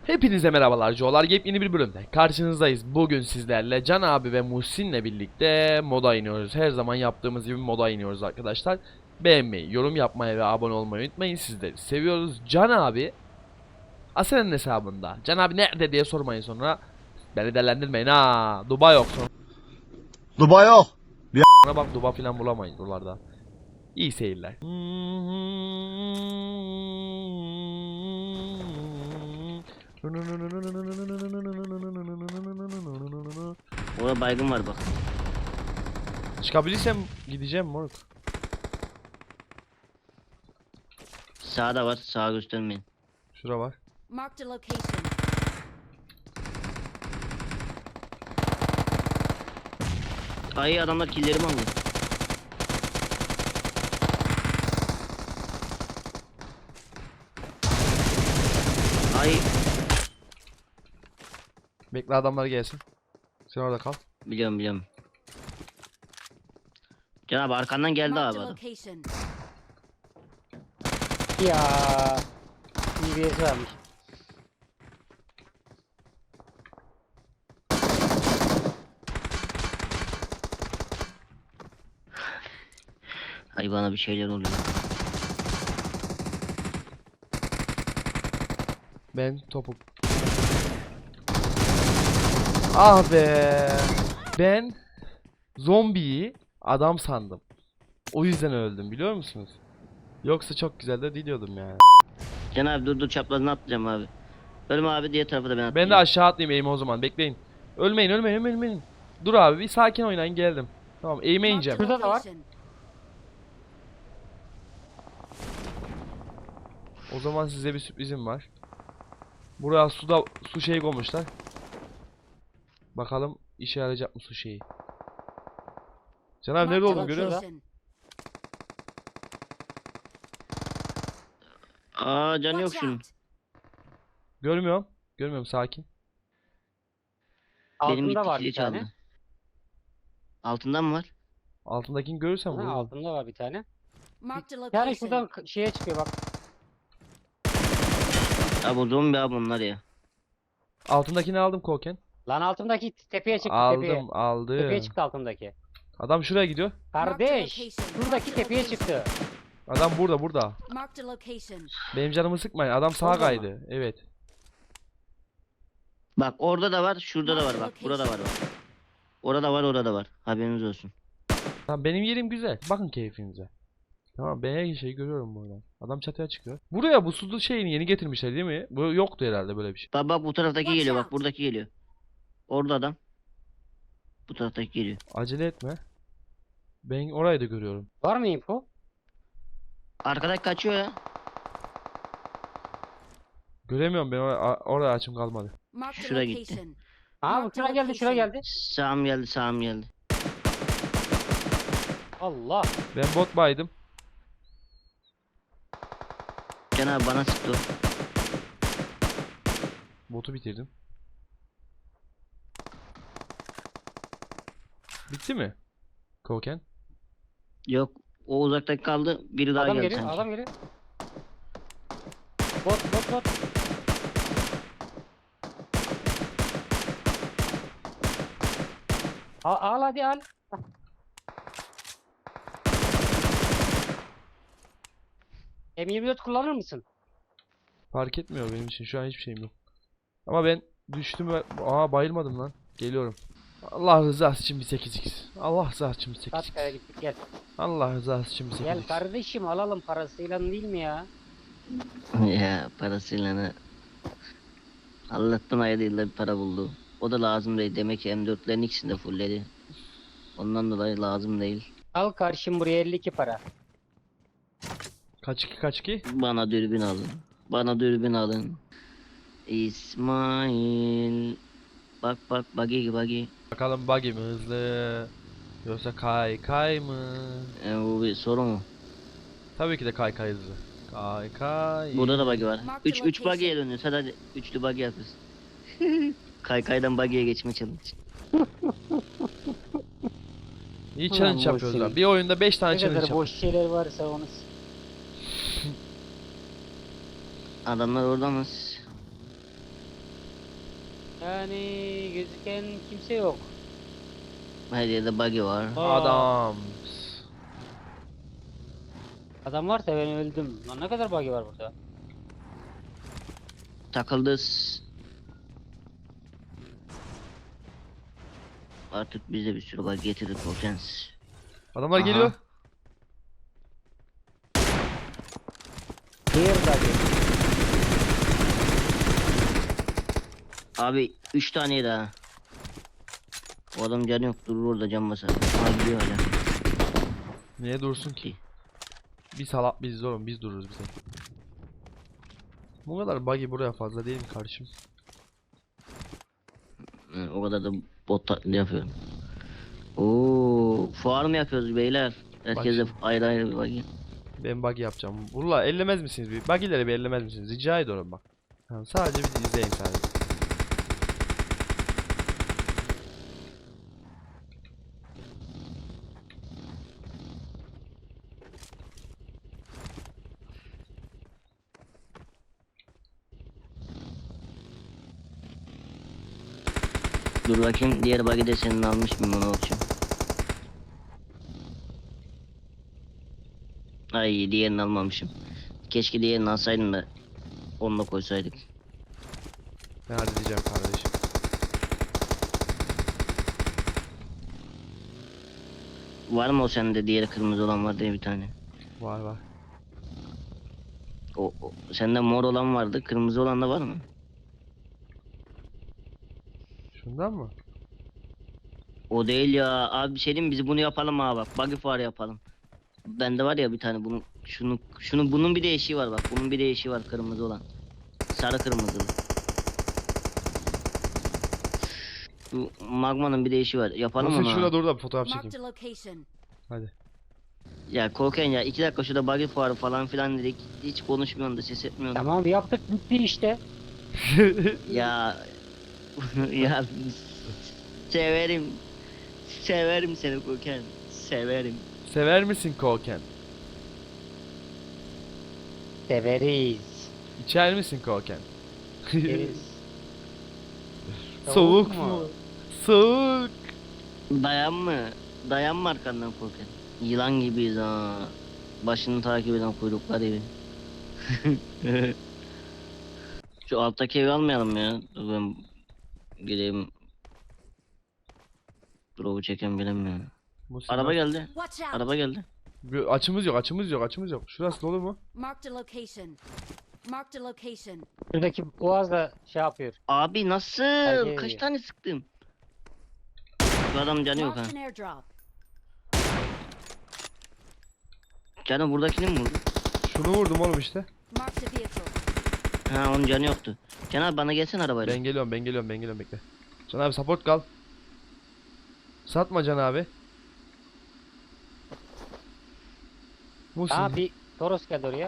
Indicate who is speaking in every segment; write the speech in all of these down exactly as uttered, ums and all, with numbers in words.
Speaker 1: Hepinize merhabalar Joe'lar, yepyeni bir bölümde karşınızdayız. Bugün sizlerle Can abi ve Muhsin'le birlikte moda iniyoruz. Her zaman yaptığımız gibi moda iniyoruz arkadaşlar. Beğenmeyi, yorum yapmayı ve abone olmayı unutmayın. Sizleri seviyoruz. Can abi Asen'in hesabında. Can abi nerede diye sormayın sonra. Beni delendirmeyin ha. Dubai yok sonra.
Speaker 2: Dubai yok.
Speaker 1: Bana bak, Dubai falan bulamayız buralarda. İyi seyirler.
Speaker 3: Orada baygın var bak.
Speaker 1: Çıkabilirsem gideceğim moruk.
Speaker 3: Sağda var. Sağa göstermeyin.
Speaker 1: Şura var.
Speaker 4: Marked a location.
Speaker 3: Ay adamlar killerimi aldı. Ay
Speaker 1: Bekle adamlar gelsin. Sen orada kal.
Speaker 3: biliyorum biliyorum. Can abi arkandan geldi
Speaker 4: Marked
Speaker 3: abi
Speaker 4: a
Speaker 3: adam.
Speaker 4: location.
Speaker 5: Ya D B S varmış.
Speaker 3: Ay bana bir şeyler oluyor.
Speaker 1: Ben topuk. Ah be. Ben zombiyi adam sandım. O yüzden öldüm, biliyor musunuz? Yoksa çok güzel de diliyordum yani.
Speaker 3: Can abi dur dur çaprazına atlayacağım abi. Ölüm abi diğer tarafa da ben atlayacağım.
Speaker 1: Ben de aşağı atlayayım eğime o zaman. Bekleyin. Ölmeyin ölmeyin ölmeyin ölmeyin. Dur abi bir sakin oynayın, geldim. Tamam, eğime
Speaker 4: Marked a
Speaker 1: ineceğim.
Speaker 5: Şurada da var.
Speaker 4: location.
Speaker 1: O zaman size bir sürprizim var. Buraya suda su şeyi koymuşlar. Bakalım işe yarayacak mı su şeyi. Can abi nerede
Speaker 4: Marked a
Speaker 1: oldun görüyor musun?
Speaker 4: location.
Speaker 3: Aa can yok
Speaker 4: Watch
Speaker 3: şunun.
Speaker 4: out.
Speaker 1: Görmüyorum. Görmüyorum, sakin.
Speaker 3: Benim
Speaker 5: Altında
Speaker 3: gitti
Speaker 5: var
Speaker 3: kili
Speaker 5: bir tane.
Speaker 3: çaldı. Altından mı var?
Speaker 1: Altındakini görürsem
Speaker 5: Ha,
Speaker 1: vururum.
Speaker 5: altında var bir tane.
Speaker 4: Marked a
Speaker 5: Yani
Speaker 4: location.
Speaker 5: şuradan k- şeye çıkıyor bak.
Speaker 3: Abi o zombi abi onlar ya.
Speaker 1: Altındakini aldım Koken.
Speaker 5: Lan altındaki tepeye çıktı tepeye.
Speaker 1: Aldım aldım.
Speaker 5: Tepeye çıktı altındaki.
Speaker 1: Adam şuraya gidiyor.
Speaker 5: Kardeş,
Speaker 4: location.
Speaker 5: şuradaki
Speaker 4: Marked a
Speaker 5: tepeye
Speaker 4: location.
Speaker 5: çıktı.
Speaker 1: Adam burada burada.
Speaker 4: Marked a location.
Speaker 1: Benim canımı sıkmayın. Adam sağa
Speaker 5: Orada mı?
Speaker 1: kaydı. Evet.
Speaker 3: Bak orada da var, şurada da var bak. Burada var bak. Orada var, orada var. Haberiniz olsun.
Speaker 1: Tamam, benim yerim güzel. Bakın keyfinize. Tamam, ben her şeyi görüyorum buradan. Adam çatıya çıkıyor. Buraya bu sulu şeyini yeni getirmişler değil mi? Bu yoktu herhalde böyle bir şey.
Speaker 3: Bak bak bu taraftaki
Speaker 4: Watch
Speaker 3: geliyor
Speaker 4: out.
Speaker 3: bak buradaki geliyor. Orada adam. Bu taraftaki geliyor.
Speaker 1: Acele etme. Ben orayı da görüyorum.
Speaker 5: Var mı info?
Speaker 3: Arkadaki kaçıyor ya.
Speaker 1: Göremiyorum ben, oraya, oraya açım kalmadı.
Speaker 4: Marked a
Speaker 3: Şuraya gitti.
Speaker 4: location.
Speaker 5: Ha bu
Speaker 4: Marked
Speaker 5: şuraya geldi şuraya
Speaker 4: location.
Speaker 5: geldi.
Speaker 3: Sağım geldi sağım geldi.
Speaker 5: Allah.
Speaker 1: Ben bot baydım.
Speaker 3: Can abi bana sıktı o.
Speaker 1: Botu bitirdim. Bitti mi? Koken.
Speaker 3: Yok o uzaktaki kaldı. Biri daha
Speaker 5: Adam
Speaker 3: geldi
Speaker 5: geliyor
Speaker 3: sanki.
Speaker 5: adam geliyor. Bot bot bot. Al, al hadi al. M yirmi dört kullanır mısın?
Speaker 1: Fark etmiyor benim için. Şu an hiçbir şeyim yok. Ama ben düştüm ve... Aa, bayılmadım lan. Geliyorum. Allah rızası için bir sekiz x. Allah rızası için bir sekiz x.
Speaker 5: Katkaya gittik gel.
Speaker 1: Allah rızası için bir sekiz
Speaker 5: Gel
Speaker 1: x.
Speaker 5: kardeşim alalım parasıyla değil mi ya?
Speaker 3: Ya parasıyla ne? Allah'tan ayda yılda bir para buldu. O da lazım değil. Demek ki M dörtlerin ikisini de fullledi. Ondan dolayı lazım değil.
Speaker 5: Al karşım buraya elli iki para.
Speaker 1: Kaç iki kaç iki?
Speaker 3: Bana dürbün alın. Bana dürbün alın. İsmail. Bak bak buggy buggy.
Speaker 1: Bakalım buggy mi hızlı? Yoksa kay kay mı?
Speaker 3: E, bu bir soru mu?
Speaker 1: Tabii ki de kay kay hızlı. Kay kay.
Speaker 3: Burada da buggy var.
Speaker 4: Mark the
Speaker 3: üç üç
Speaker 4: location.
Speaker 3: buggy'ye dönüyoruz. Hadi hadi. Üçlü buggy yapıyoruz. Kaykaydan buggy'ye geçme challenge.
Speaker 1: İyi
Speaker 5: Ulan
Speaker 1: challenge
Speaker 5: boş
Speaker 1: yapıyoruz
Speaker 5: şey.
Speaker 1: lan. Bir oyunda beş tane
Speaker 5: Ne
Speaker 1: challenge
Speaker 5: kadar
Speaker 1: yapıyoruz.
Speaker 5: boş şeyler varsa onu s-
Speaker 3: Adamlar orada mı?
Speaker 5: Yani gözüken kimse yok.
Speaker 3: Her yerde buggy var.
Speaker 5: Aa,
Speaker 1: Adam.
Speaker 5: Adam varsa ben öldüm. Lan ne kadar bug'i var burada?
Speaker 3: Takıldız. Artık bize bir sürü bug getirir Korkens.
Speaker 1: Adamlar
Speaker 3: Aha.
Speaker 1: geliyor.
Speaker 5: Diğer bug'i.
Speaker 3: Abi üç tane daha. O adam canı yok, durur orada, can basar. Aa, gidiyor hala.
Speaker 1: Niye dursun ki? Biz salak biz oğlum, biz dururuz bize. Bu kadar buggy buraya fazla değil mi kardeşim?
Speaker 3: Hı, o kadar da bot taklidi yapıyorum. Oo, fuar mı yapıyoruz beyler? Herkese ayrı ayrı bir buggy.
Speaker 1: Ben buggy yapacağım. Valla ellemez misiniz? Bir buggy'leri bir ellemez misiniz? Rica ediyorum bak. Tamam, sadece bir izleyin sadece.
Speaker 3: Dur bakayım, diğer buggy de senin almış mıyım, ona bakacağım. Ay, diğerini almamışım. Keşke diğerini alsaydım da onu da koysaydık.
Speaker 1: Ben halledeceğim kardeşim.
Speaker 3: Var mı o sende, diğeri kırmızı olan var diye bir tane.
Speaker 1: Var var.
Speaker 3: O, o sende mor olan vardı, kırmızı olan da var mı?
Speaker 1: Şundan mı?
Speaker 3: O değil ya abi, bir şey diyeyim mi? Biz bunu yapalım abi, bak buggy fuarı yapalım. Bende var ya bir tane, bunun şunu şunun bunun bir değişiği var, bak bunun bir değişiği var, kırmızı olan. Sarı kırmızılı. Şu magmanın bir değişiği var, yapalım
Speaker 1: Muhsin
Speaker 3: onu.
Speaker 1: şurada
Speaker 3: abi.
Speaker 1: dur da bir fotoğraf
Speaker 4: Marked
Speaker 1: çekeyim.
Speaker 4: a location.
Speaker 1: Hadi.
Speaker 3: Ya Korken ya, iki dakika şurada buggy fuarı falan filan dedik, hiç konuşmuyorsun da ses etmiyorsun.
Speaker 5: Tamam yaptık bitti işte.
Speaker 3: Ya ya severim severim seni Korken, severim.
Speaker 1: Sever misin koken?
Speaker 5: Severiz.
Speaker 1: İçer misin koken?
Speaker 5: Severiz.
Speaker 1: Soğuk
Speaker 5: Soğuk
Speaker 1: mu?
Speaker 5: mu?
Speaker 1: Soğuk.
Speaker 3: Dayan mı? Dayan mı arkandan Korken? Yılan gibiyiz ha. Başını takip eden kuyruklar gibi. Şu alttaki evi almayalım ya. Dur ben gideyim. Drop'u çeken bilemiyorum.
Speaker 1: Muhsin
Speaker 3: Araba
Speaker 1: bak.
Speaker 3: geldi.
Speaker 4: Watch out.
Speaker 3: Araba geldi.
Speaker 1: Bir açımız yok, açımız yok, açımız yok. Şurası dolu mu?
Speaker 4: Marked a location. Marked a location.
Speaker 5: Şuradaki boğaz da şey yapıyor.
Speaker 3: Abi nasıl?
Speaker 5: Herkes
Speaker 3: Kaç
Speaker 5: yiyor.
Speaker 3: tane sıktım? Bu adam canı yok ha.
Speaker 4: Marked an airdrop.
Speaker 3: Canım buradakini mi vurdu?
Speaker 1: Şunu vurdum oğlum işte.
Speaker 4: Marked a vehicle.
Speaker 3: Ha, onun canı yoktu. Can abi bana gelsene arabayla.
Speaker 1: Ben geliyorum, ben geliyorum, ben geliyorum, bekle. Can abi support kal. Satma Can abi. Muhsin,
Speaker 5: Aa bir Toros geldi oraya.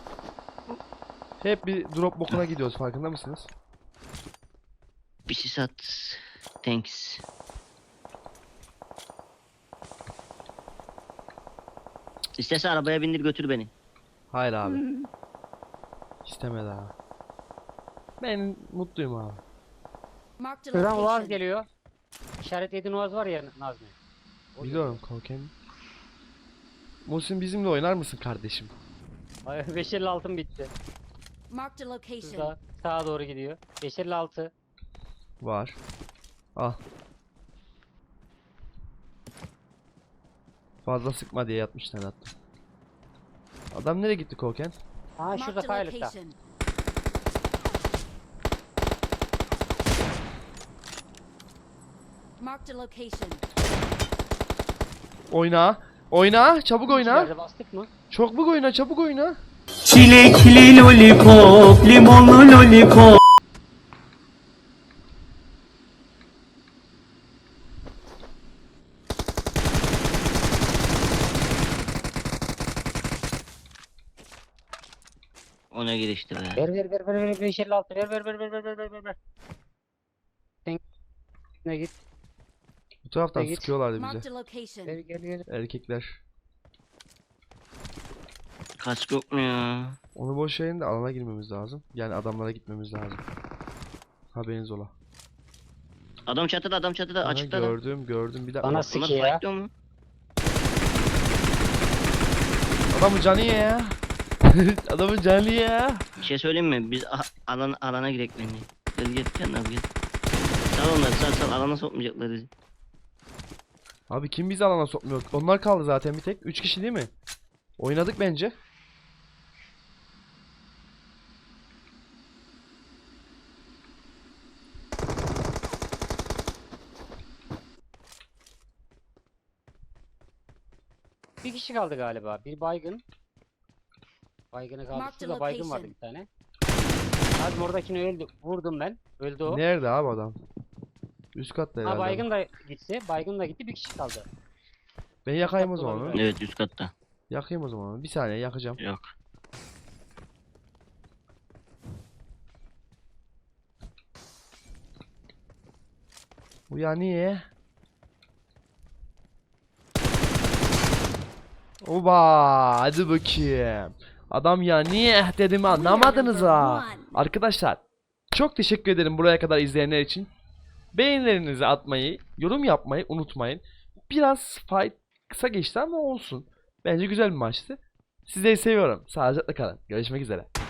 Speaker 1: hep bir drop bokuna gidiyoruz, farkında mısınız?
Speaker 3: Bir şey sat. Thanks. İstersen arabaya bindir götür beni.
Speaker 1: Hayır abi. İstemedi abi. Ben mutluyum abi.
Speaker 4: Marked a
Speaker 5: Şuradan Uaz
Speaker 4: location.
Speaker 5: geliyor. İşaretlediğin Uaz var ya Nazmi. O
Speaker 1: Biliyorum koken. Muhsin bizimle oynar mısın kardeşim?
Speaker 5: geliyor. beş elli altın bitti.
Speaker 4: Marked a location.
Speaker 5: Şurada sağa doğru gidiyor. beş elli altı.
Speaker 1: Var. Al. Fazla sıkma diye yatmışlar attım. Adam nereye gitti koken?
Speaker 5: Aa şurada
Speaker 4: Marked a
Speaker 5: Pilot'ta.
Speaker 4: location. Marked a location.
Speaker 1: Oyna. Oyna. Çabuk oyna.
Speaker 5: İçeride bastık mı?
Speaker 1: Çabuk oyna. Çabuk oyna.
Speaker 6: Çilekli lollipop, limonlu lollipop.
Speaker 3: O ne girişti be.
Speaker 5: Ver ver ver ver ver beş elli altı ver ver ver ver ver ver ver ver ver. Sen ne git.
Speaker 1: Bu taraftan
Speaker 5: Git.
Speaker 1: sıkıyorlardı
Speaker 4: Marked
Speaker 1: bize.
Speaker 4: a location.
Speaker 5: Gel gel gel.
Speaker 1: Erkekler.
Speaker 3: Kask yok mu ya?
Speaker 1: Onu boş verin de alana girmemiz lazım. Yani adamlara gitmemiz lazım. Haberiniz ola.
Speaker 3: Adam çatıda, adam çatıda,
Speaker 1: Ha,
Speaker 3: açıkta da.
Speaker 1: gördüm gördüm bir dakika.
Speaker 5: Bana
Speaker 1: bak.
Speaker 5: s-
Speaker 3: Bunlar
Speaker 5: Siki ya.
Speaker 3: fightlıyor mu?
Speaker 1: Adamın canı ya. Adamın canı ya.
Speaker 3: Bir şey söyleyeyim mi? Biz a- alan, alana girek bence. Gel gel gel abi gel. Sal onları sal sal, alana sokmayacaklar bizi.
Speaker 1: Abi kim bizi alana sokmuyor? Onlar kaldı zaten bir tek. Üç kişi değil mi? Oynadık bence.
Speaker 5: Bir kişi kaldı galiba. Bir baygın. Baygını kaldı.
Speaker 4: Mark the
Speaker 5: Şurada baygın vardı
Speaker 4: location.
Speaker 5: bir tane. Abi oradakini öldü. Vurdum ben. Öldü o.
Speaker 1: Nerede abi adam? Üst katta
Speaker 5: Ha
Speaker 1: herhalde.
Speaker 5: baygın da gitti. Baygın da gitti. Bir kişi kaldı.
Speaker 1: Ben yakayım o
Speaker 5: katta
Speaker 1: zaman.
Speaker 5: olabilir.
Speaker 1: onu.
Speaker 3: Evet üst katta.
Speaker 1: Yakayım o zaman. onu. Bir saniye yakacağım.
Speaker 3: Yok.
Speaker 1: Bu ya niye? Oba, hadi bakayım. Adam ya niye dedim anlamadınız ha. Arkadaşlar çok teşekkür ederim buraya kadar izleyenler için. Beğenilerinizi atmayı, yorum yapmayı unutmayın. Biraz fight kısa geçti ama olsun. Bence güzel bir maçtı. Sizleri seviyorum. Sağlıcakla kalın. Görüşmek üzere.